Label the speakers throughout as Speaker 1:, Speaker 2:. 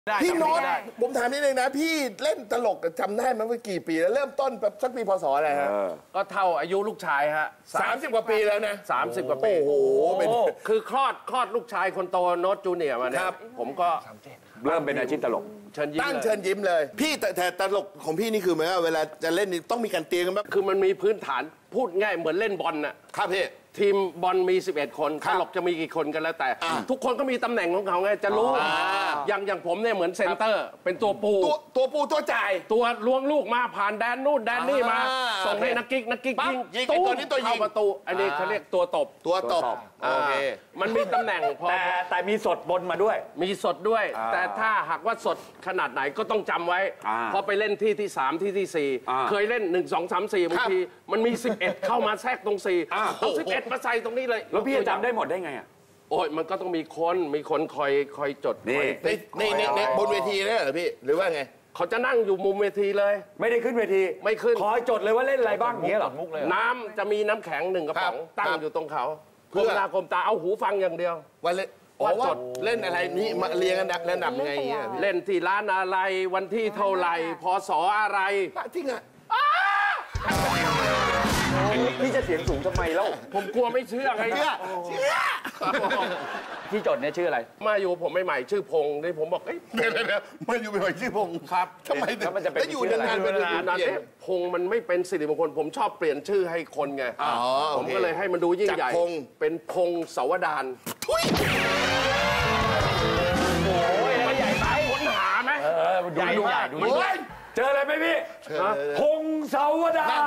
Speaker 1: พี่โน้ตผมถามนิดนึงนะพี่เล่นตลกจำได้ไหมว่ากี่ปีแล้วเริ่มต้นแบบสักปีพศอะไรฮะ
Speaker 2: ก็เท่าอายุลูกชายฮะ
Speaker 1: 30 กว่าปีแล้วนะ
Speaker 2: 30 กว่าปี
Speaker 1: โอ้โห
Speaker 2: คือคลอดลูกชายคนโตโน้ตจูเนียร์มาเนี่ยผมก็
Speaker 3: เริ่มเป็นอาชีพตลก
Speaker 1: ตั้งเชิญยิ้มเลยพี่แต่ตลกของพี่นี่คือหมายว่าเวลาจะเล่นนี่ต้องมีการเตรียมกันแบบ
Speaker 2: คือมันมีพื้นฐานพูดง่ายเหมือนเล่นบอลน่ะ
Speaker 1: ครับพี่
Speaker 2: ทีมบอลมี11 คนตลกจะมีกี่คนกันแล้วแต่ทุกคนก็มีตำแหน่งของเขาไงจะรู้อย่างผมเนี่ยเหมือนเซนเตอร์เป็นตัวปู
Speaker 1: ตัวจ่าย
Speaker 2: ตัวล้วงลูกมาผ่านแดนนู่นแดนนี่มาส่งให้นักกิ๊ก
Speaker 1: ยิงตัวนี้ตัวยิง
Speaker 2: ประตูอันนี้เขาเรียกตัวตบ
Speaker 1: โอเค
Speaker 2: มันมีตำแหน่งพอ
Speaker 3: แต่มีสดบนมาด้วย
Speaker 2: มีสดด้วยแต่ถ้าหากว่าสดขนาดไหนก็ต้องจำไว้พอไปเล่นที่3ที่4เคยเล่น1 2 3 4บางทีมันมี11เข้ามาแทรกตรง4เอา11มาใส่ตรงนี้เลย
Speaker 3: แล้วพี่จำได้หมดได้ไงอ่ะ
Speaker 2: โอ้ยมันก็ต้องมีคนคอยจด
Speaker 1: ในบนเวทีเลยเหรอพี่หรือว่าไง
Speaker 2: เขาจะนั่งอยู่มุมเวทีเลย
Speaker 3: ไม่ได้ขึ้นเวที
Speaker 2: ไม่ขึ้น
Speaker 3: คอยจดเลยว่าเล่นอะไรบ้างเงี้ยหรอ
Speaker 2: น้ำจะมีน้ำแข็ง1 กระป๋องตั้งอยู่ตรงเขาเพื่อคมตาเอาหูฟังอย่างเดียว
Speaker 1: ว่าจดเล่นอะไรนี่มาเรียงกันระดับยังไง
Speaker 2: เล่นที่ร้านอะไรวันที่เท่าไหร่พศอะไร
Speaker 1: จริงอ่ะ
Speaker 3: พี่จะเสียงสูงทำไมแล้ว
Speaker 2: ผมกลัวไม่เชื่อไง
Speaker 1: เชื่อ
Speaker 3: พี่จดเนี่ยชื่ออะไร
Speaker 2: มาอยู่ผมใหม่ๆชื่อพงษ์นี่ผมบอกเดี๋ยว
Speaker 1: มาอยู่ใหม่ๆชื่อพงษ์
Speaker 2: ครับ
Speaker 1: ทำไม
Speaker 3: แล้วมันจะเป็น
Speaker 1: อยู่นานๆเป็น
Speaker 2: นานพงษ์มันไม่เป็นสิริมงคลผมชอบเปลี่ยนชื่อให้คนไงผมก็เลยให้มันดูยิ่งใหญ่เป็นพงษ์เสาวดาร
Speaker 1: ทุย
Speaker 2: โอ้ยมันใหญ่ไปค้นหาไหม
Speaker 3: ใหญ่ดูเจออะไรไหมพี่พงษ์เสาวดาร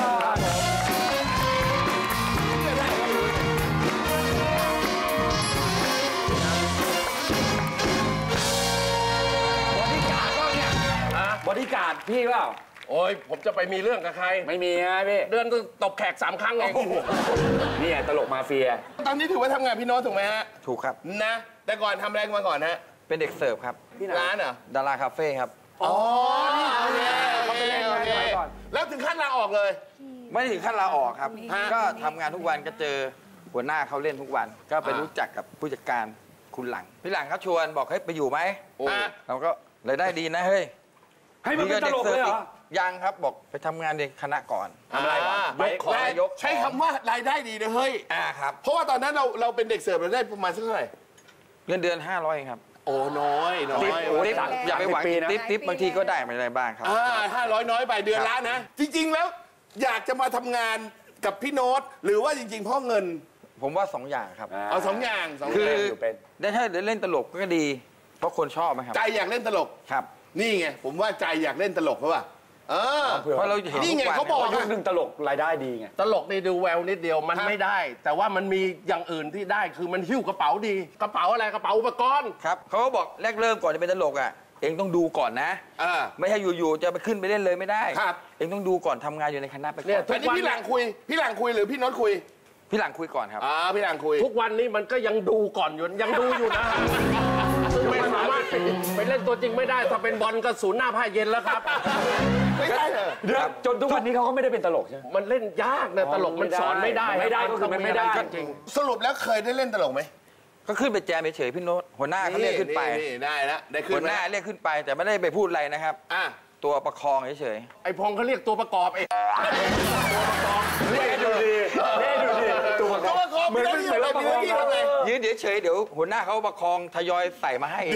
Speaker 3: บริการพี่เปล่า
Speaker 2: โอ้ยผมจะไปมีเรื่องกับใคร
Speaker 3: ไม่มีนะพี่
Speaker 2: เดือนตบแขก3 ครั้งเอง
Speaker 3: นี่ตลกมาเฟีย
Speaker 1: ตอนนี้ถือว่าทำงานพี่โน้ตถูกไหมฮะ
Speaker 4: ถูกครับ
Speaker 1: นะแต่ก่อนทำอะไรมาก่อนฮะ
Speaker 4: เป็นเด็กเสิร์ฟครับ
Speaker 1: ร้านเหรอ
Speaker 4: ดาราคาเฟ่ครับ
Speaker 1: อ๋อนี่เขาไปเล่นก่อนแล้วถึงขั้นลาออกเลย
Speaker 4: ไม่ถึงขั้นลาออกครับก็ทำงานทุกวันก็เจอหัวหน้าเขาเล่นทุกวันก็ไปรู้จักกับผู้จัดการคุณหลังพี่หลังเขาชวนบอกให้ไปอยู่ไหมเราก็เลยได้ดีนะเฮ้ย
Speaker 3: ให้มันเป็นตลกเลยเหรอ
Speaker 4: ยังครับบอกไปทำงานในคณะก่อน
Speaker 3: ทำอะไร
Speaker 1: ยกใช้คำว่ารายได้ดีนะเฮ้ย
Speaker 4: ครับ
Speaker 1: เพราะว่าตอนนั้นเราเป็นเด็กเสิร์ฟเราได้ประมาณเท่าไหร่
Speaker 4: เงินเดือน500ครับ
Speaker 1: โอ้น้อย
Speaker 4: อย่าไปหวังทิปบางทีก็ได้ไม่ได้บ้างครับ
Speaker 1: 500น้อยไปเดือนละนะจริงๆแล้วอยากจะมาทำงานกับพี่โน้ตหรือว่าจริงๆเพราะเงิน
Speaker 4: ผมว่า2 อย่างครับ
Speaker 1: เอา2 อย่าง
Speaker 4: คือได้ถ้าเล่นตลกก็ดีเพราะคนชอบไหมครับ
Speaker 1: ใจอยากเล่นตลก
Speaker 4: ครับ
Speaker 1: นี่ไงผมว่าใจอยากเล่นตลกเพราะว่า
Speaker 4: เพราะเราเห็น
Speaker 1: นี่ไงเขาบอก
Speaker 3: ยุคนึงตลกรายได้ดีไง
Speaker 2: ตลกนี่ดูแววนิดเดียวมันไม่ได้แต่ว่ามันมีอย่างอื่นที่ได้คือมันหิ้วกระเป๋าดีกระเป๋าอะไรกระเป๋าอุปกรณ์
Speaker 4: ครับเขาก็บอกแรกเริ่มก่อนจะเป็นตลกเองต้องดูก่อนนะไม่ใช่อยู่ๆจะไปขึ้นไปเล่นเลยไม่ได้เองต้องดูก่อนทำงานอยู่ในคณะไปก่อน
Speaker 1: อันนี้พี่หลังคุยหรือพี่โน้ตคุย
Speaker 4: พี่หลังคุยก่อนครับ
Speaker 1: พี่หลังคุย
Speaker 2: ทุกวันนี้มันก็ยังดูก่อนอยู่ยังดูอยู่นะไม่สามารถไปเล่นตัวจริงไม่ได้ถ้าเป็นบอลก็ศูนย์หน้าผ้าเย็นแล้วครับ
Speaker 1: ไม่ได้เหรอ
Speaker 3: จนทุกวันนี้เขาก็ไม่ได้เป็นตลกใช่ไหม
Speaker 2: มันเล่นยากนะตลกมันสอนไม่ได้
Speaker 3: ก็คือมันไม่ได้
Speaker 2: จริง
Speaker 1: สรุปแล้วเคยได้เล่นตลกไหม
Speaker 4: ก็ขึ้นไปแจมเฉยพี่โน้ตหัวหน้าเขาเรียกขึ้นไป
Speaker 1: ได้แล้วได้ขึ้น
Speaker 4: หัวหน้าเรียกขึ้นไปแต่ไม่ได้ไปพูดอะไรนะครับตัวประคองเฉย
Speaker 2: ไอ้พงเขาเรียกตัวประกอบตัวประกอบ
Speaker 3: ดูดีตัวประกอบ
Speaker 1: เหมือนเราประคอง
Speaker 4: ยืนเฉยเดี๋ยวหัวหน้าเขาประคองทยอยใส่มาให้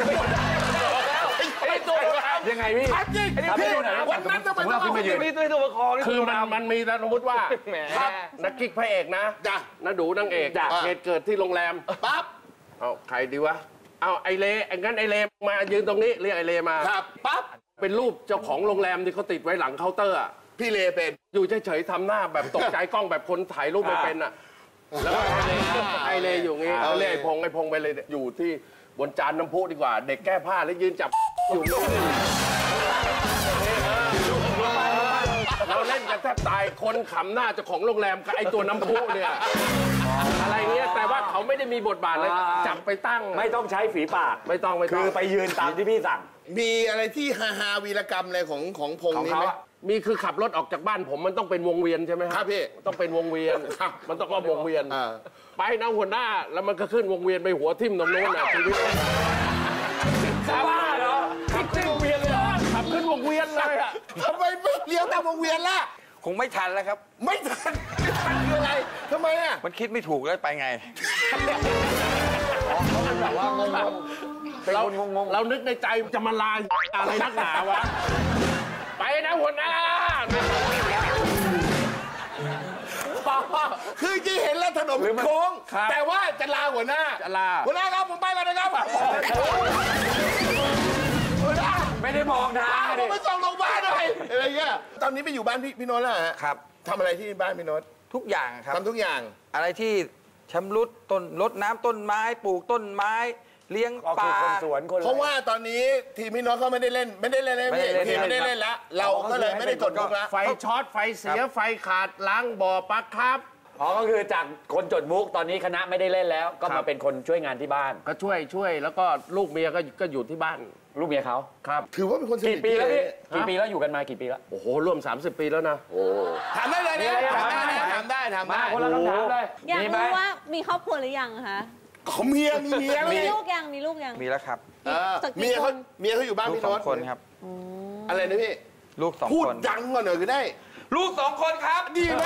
Speaker 3: ยังไงพี่
Speaker 1: ทำให้ดูหน่อยวันนั้นจะไป
Speaker 3: เราขึ้นมายืน
Speaker 2: พี่ตัวประคองคือมันมีสมมติว่านักกิ๊กพระเอกนะนักดูนางเอกเหตุเกิดที่โรงแรม
Speaker 1: ปั๊บ
Speaker 2: เอาใครดีวะเอาไอเลงั้นไอเลมายืนตรงนี้เรียกไอเลมา
Speaker 1: ครับปั๊บ
Speaker 2: เป็นรูปเจ้าของโรงแรมที่เขาติดไว้หลังเคาน์เตอร์
Speaker 1: พี่เลเป็น
Speaker 2: อยู่เฉยๆทำหน้าแบบตกใจกล้องแบบคนถ่ายรูปไม่เป็นแล้วไอเลอยู่งี้เขาเรียกไอพงไปเลยอยู่ที่บนจานน้ำพุดีกว่าเด็กแก้ผ้าแล้วยืนจับอยู่เราเล่นกันแทบตายคนขำหน้าเจ้าของโรงแรมกับไอตัวน้ำพุเนี่ยอะไรเงี้ยแต่ว่าเขาไม่ได้มีบทบาทเลยจับไปตั้ง
Speaker 3: ไม่ต้องใช้ฝีปาก
Speaker 2: ไม่ต้อง
Speaker 3: คือไปยืนตามที่พี่สั่ง
Speaker 1: มีอะไรที่ฮาวีรกรรมอะไรของพงนี้ไหม
Speaker 2: มีคือขับรถออกจากบ้านผมมันต้องเป็นวงเวียนใช่ไหม
Speaker 1: ครับพี่
Speaker 2: ต้องเป็นวงเวียนมันต้องวงเวียนไปนะหัวหน้าแล้วมันก็ขึ้นวงเวียนไปหัวทิ่มตรงโน้นชีวิต
Speaker 3: บ้า
Speaker 1: ทำไมไม่เลี้ยวตามวงเวียนล่ะ
Speaker 4: คงไม่ทันแล้วครับ
Speaker 1: ไม่ทันคืออะไรทำไมอ่ะ
Speaker 4: มันคิดไม่ถูกแล้วไปไง
Speaker 2: เรานึกในใจจะมาลายอะไรนักหนาวะ ไปนะหัวหน้า
Speaker 1: คือที่เห็นแล้วถนนมันโค้งแต่ว่าจะลาหัวหน้า
Speaker 2: จะลา
Speaker 1: หัวหน้าครับผมไปแล้วนะครับหัวหน้า
Speaker 3: ไม่ได้มองทาง
Speaker 1: ผมไปส่งโรงพยาบาลหน่อยอะไรเงี้ยตอนนี้ไปอยู่บ้านพี่โน้ตแล้วฮะ
Speaker 4: ครับ
Speaker 1: ทำอะไรที่บ้านพี่โน้ต
Speaker 4: ทุกอย่างครับ
Speaker 1: ทำทุกอย่าง
Speaker 4: อะไรที่ชำรุดต้นรดน้ำต้นไม้ปลูกต้นไม้ เลี้ยง
Speaker 3: ก็
Speaker 4: ป
Speaker 3: คือ
Speaker 4: ลา
Speaker 3: คนสวนคน
Speaker 1: เพราะว่าตอนนี้ทีมพี่โน้ตเขาไม่ได้เล่นแล้ว
Speaker 4: ไม่ได้เล่น
Speaker 1: ทีมไม่ได้เล่นแล้วเราก็เลยไม่ได้จดมุกแล้ว
Speaker 2: ไฟช็อต ไฟเสีย ไฟขาด ล้างบ่อปลั๊กครับ
Speaker 3: อ๋อก็คือจากคนจดมุกตอนนี้คณะไม่ได้เล่นแล้ว ก็
Speaker 2: ครั
Speaker 3: มา
Speaker 2: บ
Speaker 3: เป็นคนช่วยงานที่บ้าน
Speaker 2: ก็ช่วยแล้วก็ลูกเมียก็อยู่ที่บ้าน
Speaker 3: ลูกเมียเขา
Speaker 2: ครับ
Speaker 1: ถือว่าเป็นคนสนิ
Speaker 3: กี่
Speaker 1: ท
Speaker 3: ปีแล้วพี่
Speaker 1: ฮะ
Speaker 3: กี่ปีแล้วอยู่กันมากี่ปีแล้ว
Speaker 2: โอ้โหร่วม 30 ปีแล้วนะ
Speaker 1: ถามได้เลยนะถามได้นะถามได้
Speaker 3: มาคนละคำถามเลย
Speaker 5: อยาก
Speaker 3: มีไหม
Speaker 5: รู้ว่ามีครอบครัวหรือยังคะ
Speaker 1: เขาเมียมีเมีย
Speaker 5: มี
Speaker 1: เลย
Speaker 5: ลูกยังมีลูกยัง
Speaker 4: มีแล้วครับ
Speaker 5: สัก
Speaker 1: เมี
Speaker 5: กี่
Speaker 1: ย
Speaker 5: ค
Speaker 1: เขา
Speaker 5: น
Speaker 1: เมียเขาอยู่บ้าน
Speaker 4: ลูก
Speaker 1: พี่
Speaker 4: สอ
Speaker 1: โน้
Speaker 4: ง
Speaker 1: ต
Speaker 4: คนครับ
Speaker 1: อะไรนะพี่
Speaker 4: ลูกสอง
Speaker 1: พูด
Speaker 4: คน
Speaker 1: ดังก่อนหน่อยก็ได้
Speaker 4: ลูก2 คนครับ
Speaker 1: ดีไหม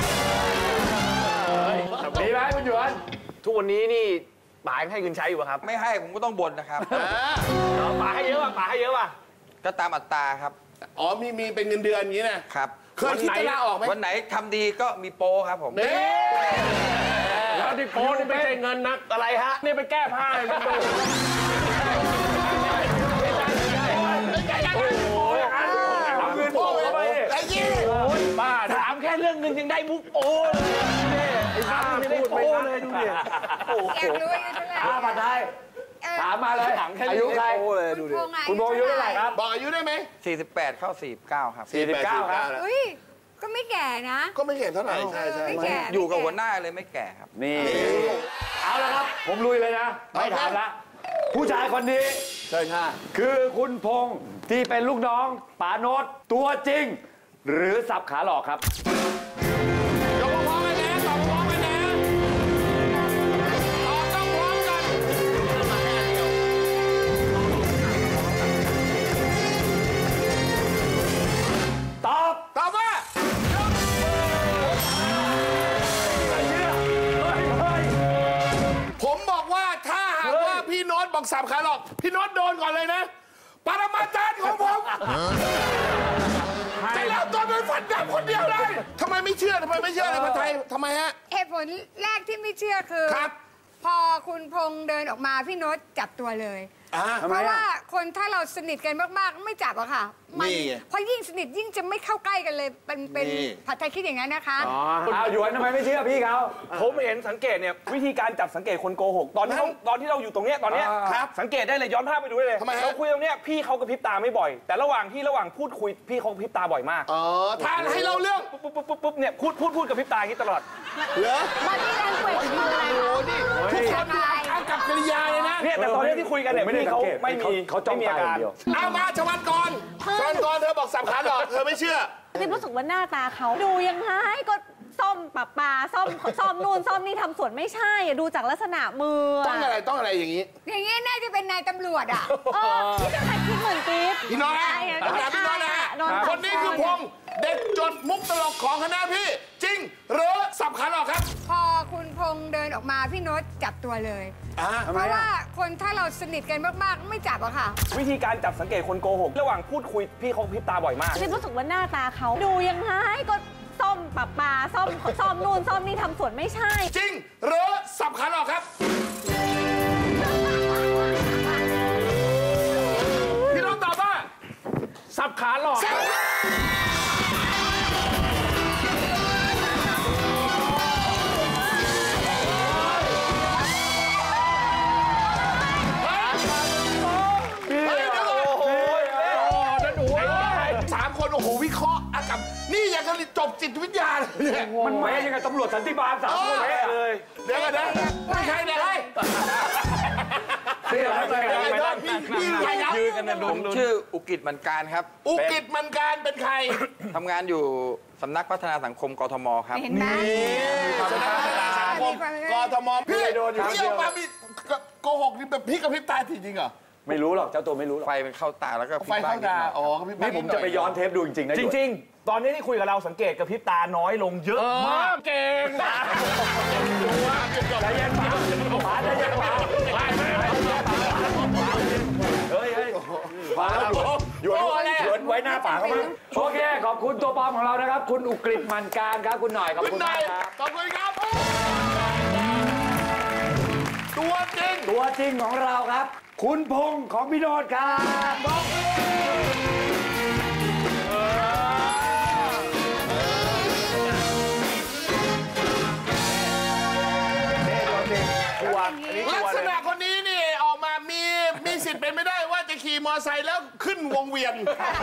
Speaker 3: มีไหมคุณหยวน
Speaker 6: ทุกวันนี้นี่ป๋ายังให้เงินใช้อยู่ป่ะครับ
Speaker 4: ไม่ให้ผมก็ต้องบ่นนะครับ
Speaker 6: ป๋าให้เยอะป่ะป๋าให้เยอะป่ะ
Speaker 4: ก็ตามอัตราครับ
Speaker 1: อ๋อมีเป็นเงินเดือนอย่างนี้นะครับ เคยคิดจะลาออกไหม
Speaker 4: วันไหนทำดีก็มีโปรครับผม
Speaker 1: นี่
Speaker 2: แล้วที่โป้นี่ไม่ใช่เงินนะอะไรฮะ นี่ไปแก้ผ้าเลยมันดู
Speaker 3: เอาเงินโปเข้าไปดิ
Speaker 1: ไอ้ยี่
Speaker 2: บ้า
Speaker 6: ถามแค่เรื่องเงินยังได้มุกโอ้เลยไอ้บ้าไม่ได้โอ้เลยดูดิ
Speaker 7: อยากรู้อายุเท่าไหร่
Speaker 3: ผัดไทยถามมาเลยอายุใคร
Speaker 7: คุณพงษ์อะ
Speaker 3: คุณโบอายุเท่าไหร่ครับ
Speaker 1: บอกอายุได้ไหม
Speaker 4: 48 เข้า 49 ครับ
Speaker 3: 49ครับ
Speaker 7: อุ้ยก็ไม่แก่นะ
Speaker 1: ก็ไม่เห็นเท่าไหร่ใช่
Speaker 7: ไม่แก่
Speaker 4: อยู่กับหัวหน้าเลยไม่แก่ครับ
Speaker 3: นี่ เอาละครับ ผมลุยเลยนะ ไม่ถามละ ผู้ชายคนนี้
Speaker 1: ใช่ค่ะ
Speaker 3: คือคุณพงษ์ที่เป็นลูกน้องป๋าโนตตัวจริง หรือสับขาหลอกครับ
Speaker 1: ยกพร้อมกันนะตอบพร้อมกันนะตอบต้องพร้อมกัน
Speaker 3: ตอบ
Speaker 1: ตอบว่า ผมบอกว่าถ้าหากว่าพี่โน้ตบอกสับขาหลอกพี่โน้ตโดนก่อนเลยนะ ปรมาจารย์ของผมจะเล่าตัวเป็นฟันดำคนเดียวเลยทำไมไม่เชื่อทำไมไม่เชื่อเลยพันไทยทำไมฮะ
Speaker 7: เหตุผลแรกที่ไม่เชื่อคือ
Speaker 1: ครับ
Speaker 7: พอคุณพงษ์เดินออกมาพี่โน้ตจับตัวเลย
Speaker 1: อ่า
Speaker 7: เพราะว่าคนถ้าเราสนิทกันมากๆ ไม่จับอะค่ะ
Speaker 1: นี่ไง
Speaker 7: เพราะยิ่งสนิทยิ่งจะไม่เข้าใกล้กันเลยเป็น
Speaker 1: นี่
Speaker 7: ผัดไทยคิดอย่างนั้นนะคะ
Speaker 3: เอาหยวนทำไมไม่เชื่อพี่เขา
Speaker 6: ผมเห็นสังเกตเนี่ยวิธีการจับสังเกตคนโกหกตอนที่เราอยู่ตรงเนี้ยตอนเนี้ย
Speaker 1: ครับ
Speaker 6: สังเกตได้เลยย้อนภาพไปดูได้เลย
Speaker 1: ทำไมฮะ
Speaker 6: เราคุยตรงเนี้ยพี่เขากระพริบตาไม่บ่อย แต่ระหว่างพูดคุยพี่เขากระพริบตาบ่อยมาก
Speaker 1: อ๋อทานให้เราเรื่อง
Speaker 6: ปุ๊บเนี่ยพูดกระพริบตาอย่างนี้ตลอด
Speaker 1: เหรอ
Speaker 5: มาที่แรงเกวดคืออะไร
Speaker 1: โอ้
Speaker 5: คะ
Speaker 1: นี่ทุกคนดูเอากับกริยาเลยนะ
Speaker 6: เนี่ยแต่ตอนเนี้ยที่คุยกันเนี่ย
Speaker 3: ไม่ได้
Speaker 6: พี่
Speaker 3: สัง
Speaker 6: เขา
Speaker 3: เกต
Speaker 6: ไม่มี
Speaker 3: เขาจ้อง
Speaker 6: ไม่มี
Speaker 3: ตา
Speaker 6: อา
Speaker 3: อย่า
Speaker 6: การ
Speaker 3: งเดียว
Speaker 1: เอามาชวันกรชวันกรเธอบอกสับขาหลอกเธอไม่เชื่อ
Speaker 5: นี่รู้สึกว่าหน้าตาเขาดูยังไงก็ซ่อมปะปาซ่อมนู่นซ่อมนี่ทำสวนไม่ใช่อะดูจากลักษณะมือ
Speaker 1: ต้องอะไรต้องอะไรอย่างนี้
Speaker 7: อย่างนี้น่าจะเป็นนายตำรวจอะ
Speaker 5: ที่จะคิดเหมือนกิ๊บ
Speaker 1: พี่น้อยนะ
Speaker 5: ใช่อะ
Speaker 1: ถามพี่น้อยนะ
Speaker 5: โดนจับ
Speaker 1: คนนี้คือพงษ์เด็กจดมุกตลกของคณะพี่ จริงหรือสับขาหลอกครับ
Speaker 7: พอคุณพงษ์เดินออกมาพี่โน้ตจับตัวเลย
Speaker 1: ทำ
Speaker 7: เพ
Speaker 1: ไม
Speaker 7: ราะ
Speaker 1: อ่ะ
Speaker 7: ว่าคนถ้าเราสนิทกันมากๆ ไม่จับอะค่ะ
Speaker 6: วิธีการจับสังเกตคนโกหกระหว่างพูดคุยพี่เขากระพริบตาบ่อยมาก
Speaker 5: นี่รู้สึกว่าหน้าตาเขาดูยังไงก็ซ่อมปะปาซ่อมนู่นซ่อมนี่ทำสวนไม่ใช่
Speaker 1: จริงหรือสับขาหลอกครับ พี่น้องตอบว่า
Speaker 2: สับขาหลอก
Speaker 1: เฮ้ยเดี๋ยวก่อนสามคนโอ้โหวิเคราะห์อากับนี่ยังกันจบจิตวิทยาเลยเนี่ย
Speaker 3: มันแม้ยังกับตำรวจสันติบาล3 คนแม้เลย
Speaker 1: เดี๋ยวกันนะไม่ใช่เดี๋ยวให้
Speaker 3: นี่อะไร
Speaker 1: พี่ใครครับ
Speaker 4: ผมชื่ออุกิจมันการครับ
Speaker 1: อุกิจมันการเป็นใคร
Speaker 4: ทำงานอยู่สำนักพัฒนาสังคมกทมครับ
Speaker 7: เห็นไหม
Speaker 1: สำนักพัฒนาสังคมกทมพี่
Speaker 3: โดนอยู่
Speaker 1: พี่ออกมามีโกหกนี่แบบพี่กับพริบตาจริงเหรอ
Speaker 3: ไม่รู้หรอกเจ้าตัวไม่รู้หรอก
Speaker 4: ไฟมันเข้าตาแล้วก็
Speaker 1: ไฟเข้าตาอ๋อก็พี่
Speaker 3: นี่ผมจะไปย้อนเทปดูจริงๆนะ
Speaker 6: จริง ๆ ตอนนี้ที่คุยกับเราสังเกตกับพริบตาน้อยลงเยอะมาก
Speaker 2: เก่ง
Speaker 3: ใจเย็นป๋าป๋าใจเย็นป๋าเฮ้ยป๋าหยวนไว้หน้าป๋าเขามั้งโอเคขอบคุณตัวปลอมของเรานะครับคุณอุกฤษมันการครับคุณหน่อยขอบ
Speaker 1: คุณ
Speaker 3: คุณ
Speaker 1: นาม
Speaker 3: าย กครับ
Speaker 1: ขอบคุณครับตัวจริง
Speaker 3: ตัวจริงของเราครับ คุณพงษ์ของพี่โนดครับ
Speaker 1: ลักษณะคนนี้นี่ออกมามีสิทธิ์เป็นไม่ได้ว่าจะขี่มอเตอร์ไซค์แล้วขึ้นวงเวียน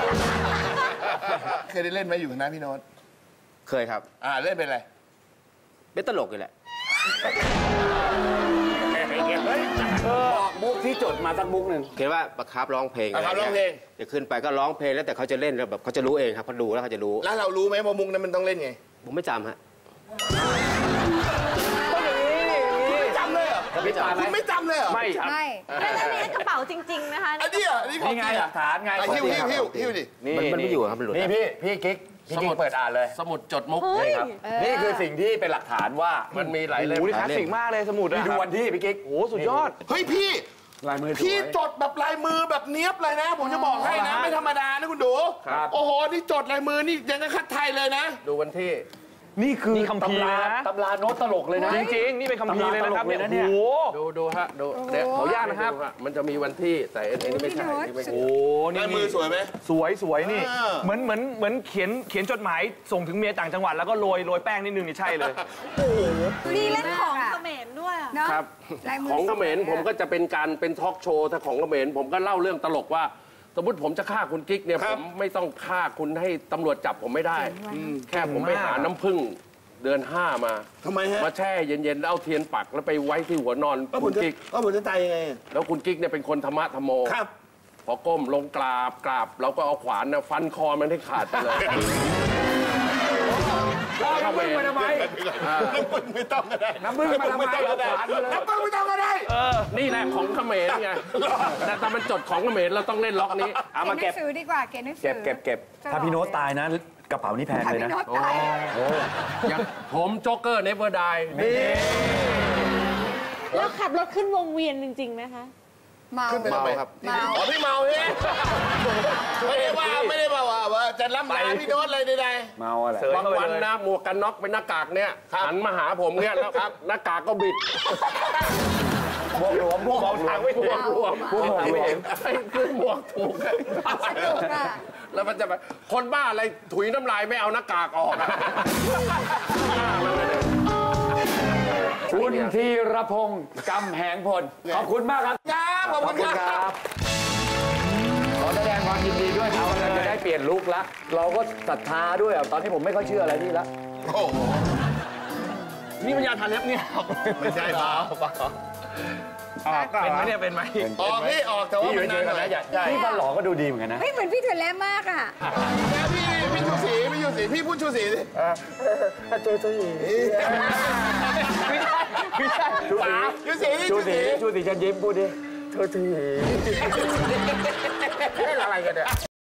Speaker 1: เคยได้เล่นไหมอยู่นะพี่โน้ต
Speaker 8: เคยครับ
Speaker 1: เล่นเป็นอะไร
Speaker 8: เป็นตลกอยู่แหละ
Speaker 3: บอกมุกที่จดมาสักมุกหนึ่ง
Speaker 8: เห็นว่าประคับร้องเพลง
Speaker 1: ประคับร้องเพลง
Speaker 8: จะขึ้นไปก็ร้องเพลงแล้วแต่เขาจะเล่นแล้วแบบเขาจะรู้เองครับเขาดูแล้วเขาจะรู้
Speaker 1: แล้วเรารู้ไหมว่ามุกนั้นมันต้องเล่นไง
Speaker 8: ผมไม่จำฮะ
Speaker 1: จำเลยเหรอ
Speaker 3: ไม่จำ
Speaker 1: คุณไม่จำเลยเหรอ
Speaker 2: ไม่ครับ
Speaker 7: ไม่
Speaker 5: แล้วอันนี้กระเป๋าจริง ๆ นะคะ
Speaker 1: อันนี้อ่ะอันนี้ของ
Speaker 3: นี่ไงหลักฐานไง
Speaker 1: หิ้วดิ
Speaker 8: มันไม่อยู่ครับมันหลุด
Speaker 3: นี่พี่กิ๊กเปิดอ่านเลย
Speaker 2: สมุดจดมุก
Speaker 5: เฮ้ย
Speaker 3: ครับนี่คือสิ่งที่เป็นหลักฐานว่า
Speaker 2: มันมีหลายเล่ม
Speaker 6: โอ้ยคลาสสิกมากเลยสมุด
Speaker 3: นี่
Speaker 6: อะ
Speaker 3: ดูวันที่พี่กิ๊ก
Speaker 6: โอ้สุดยอด
Speaker 1: เฮ้ยพี่
Speaker 3: ลายมือสวย
Speaker 1: พี่จดแบบลายมือแบบเนี้ยบเลยนะ ผมจะบอกให้นะ ไม่ธรรมดานะคุณดู
Speaker 3: ครับ
Speaker 1: โอ้โห นี่จดลายมือนี่ยังกับคัดไทยเลยนะ
Speaker 2: ดูวันที่
Speaker 3: นี่คือ
Speaker 6: นี่คัมภีร์
Speaker 3: ตำรา
Speaker 6: นะ
Speaker 3: ตำราโน้ตตลกเลยนะ
Speaker 6: จริงๆ นี่เป็นคัมภีร์เลยนะครับเนี่ย
Speaker 3: ตำราตลกเลยนะเนี่ย
Speaker 6: โอ้โห
Speaker 2: ดูฮะดูเดี๋ยว
Speaker 6: ขออนุญาตนะครับ
Speaker 2: ดูฮมันจะมีวันที่แต่อันนี้ไม่ใช่อันนี้ไม่ใช่
Speaker 6: โอ้นี่
Speaker 1: ลายมือสวยไหม
Speaker 6: สวยนี่
Speaker 1: อ่า
Speaker 6: เหมือนเขียนจดหมายส่งถึงเมียต่างจังหวัดแล้วก็โรยแป้งนิดนึงนี่ใช่เลย
Speaker 5: มีเล่นของเขมรด้วยอะ
Speaker 7: เนาะ
Speaker 2: ครับ
Speaker 7: ลายมื
Speaker 2: ของเขมร
Speaker 7: สวยอะ
Speaker 2: ผมก็จะเป็นการเป็นทอล์กโชว์ถ้าของเขมรผมก็เล่าเรื่องตลกว่า สมมติผมจะฆ่าคุณกิ๊กเนี่ยผมไม่ต้องฆ่าคุณให้ตำรวจจับผมไม่ได้ แค่ผมไปหาน้ำผึ้งเดือน 5 มา
Speaker 1: ทำไมฮะ
Speaker 2: มาแช่เย็นๆแล้วเอาเทียนปักแล้วไปไว้ที่หัวนอนคุณกิ๊ก
Speaker 1: ผมจะตายยังไง
Speaker 2: แล้วคุณกิ๊กเนี่ยเป็นคนธรรมะธรรมโม
Speaker 1: ครับ
Speaker 2: พอก้มลงกราบเราก็เอาขวานนะฟันคอมันให้ขาดไปเลย
Speaker 3: น้ำผึ้งมาทำไม
Speaker 1: น้ำผึ้งไม่ต้องก็ได้
Speaker 3: น้ำผึ้งมาทำไมเอาขวานมาเลย
Speaker 1: น้ำผึ้งไม่ต้องก็ได้
Speaker 2: นี่แหละของเขมรไงแต่มันจดของเขมรเราต้องเล่นล็อกนี้
Speaker 3: เอามา
Speaker 7: เก็
Speaker 3: เก็
Speaker 7: บบ หนังสือดีกว่าเก็บหนังสือ
Speaker 3: เก็บถ้าพี่โน้ตตายนะกระเป๋านี่แพง
Speaker 7: ถ้า
Speaker 3: เลย
Speaker 7: พี่
Speaker 3: นะ
Speaker 7: โน้ตตาย
Speaker 2: ผมโจ๊กเกอร์เนเวอร์ได
Speaker 5: แล้วขับรถขึ้นวงเวียนจริงๆไหมคะ
Speaker 7: เมา
Speaker 1: ขึ้นไปทำไมครับ
Speaker 7: เมา
Speaker 1: อ๋อพี่เมาใช่ไหมไม่ได้ว่าจะล้ำลาพี่โน้ตเลยใด
Speaker 3: เมาอะไร
Speaker 2: บางวันนะหมวกกันน็อกเป็นหน้ากากเนี่ยหันมาหาผมเนี่ยแล้วครับหน้ากากก็บิด
Speaker 3: พวกหลวมพวก
Speaker 2: มองทางไม่ถูกรวม
Speaker 3: พวกหลวม
Speaker 2: ไม่เห็นไอ้คือหมวกถูก
Speaker 7: สนุกอะ
Speaker 2: แล้วมันจะแบบคนบ้าอะไรถุยน้ำลายไม่เอาหน้ากากออกอะ
Speaker 3: คุณธีรพงศ์กำแหงพลขอบคุณมากครับ
Speaker 1: ๆครับขอบคุณครับ
Speaker 3: ขอแสดงความยินดีด้วยที่กำลังจะได้เปลี่ยนลุคละเราก็ศรัทธาด้วยอะตอนนี้ผมไม่ค่อยเชื่ออะไรนี่ละ
Speaker 1: โอ้โห
Speaker 6: นี่มันยาทาเล็บเนี่ย
Speaker 1: ไม่ใช่เปล่า
Speaker 6: เป็นไหมเนี่ยเป็นไหม
Speaker 1: ออกพี่ออกแต่ว่า
Speaker 3: พี่อยู่
Speaker 1: มัน
Speaker 3: เฉ
Speaker 1: นาน
Speaker 3: ยๆ
Speaker 1: ห
Speaker 3: กัน
Speaker 1: น่อย
Speaker 3: นะพี่ฟันหล่อก็ดูดีเหมือนกันนะ
Speaker 7: เฮ้ยเหมือนพี่ถั่วแระมากอะ
Speaker 1: แล้วพี่ชูศรีพี่พูดชูศรีสิ
Speaker 3: ชูศรี
Speaker 1: ชูศรี
Speaker 3: ชูศรีฉันยิ้มพูดดิ
Speaker 2: เล่นอะไรกันเนี่ย